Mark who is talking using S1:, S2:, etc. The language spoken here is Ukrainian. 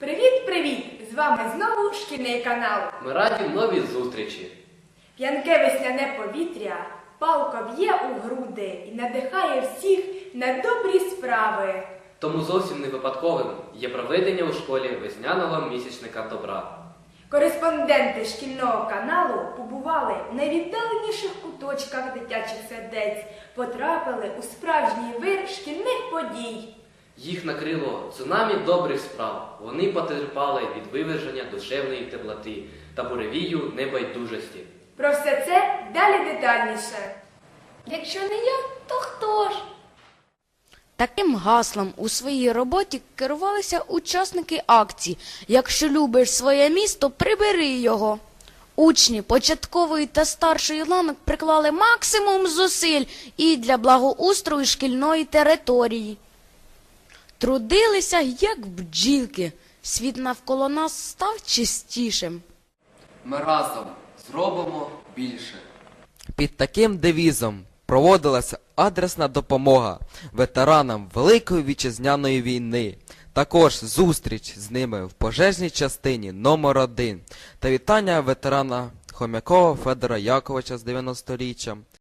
S1: Привіт-привіт! З вами знову шкільний канал.
S2: Ми раді новій зустрічі.
S1: П'янке весняне повітря палко б'є у груди і надихає всіх на добрі справи.
S2: Тому зовсім не випадковим є проведення у школі весняного місячника добра.
S1: Кореспонденти шкільного каналу побували в найвіддаленіших куточках дитячих сердець, потрапили у справжній вир шкільних подій.
S2: Їх накрило цунамі добрих справ. Вони потерпали від виверження душевної теплоти та буревію небайдужості.
S1: Про все це далі детальніше.
S3: Якщо не я, то хто ж?
S4: Таким гаслом у своїй роботі керувалися учасники акції «Якщо любиш своє місто, прибери його». Учні початкової та старшої ланок приклали максимум зусиль і для благоустрою шкільної території. Трудилися, як бджілки. Світ навколо нас став чистішим.
S5: Ми разом зробимо більше.
S6: Під таким девізом проводилася адресна допомога ветеранам Великої Вітчизняної війни. Також зустріч з ними в пожежній частині номер 1 та вітання ветерана Хомякова Федора Яковича з 90-річчям.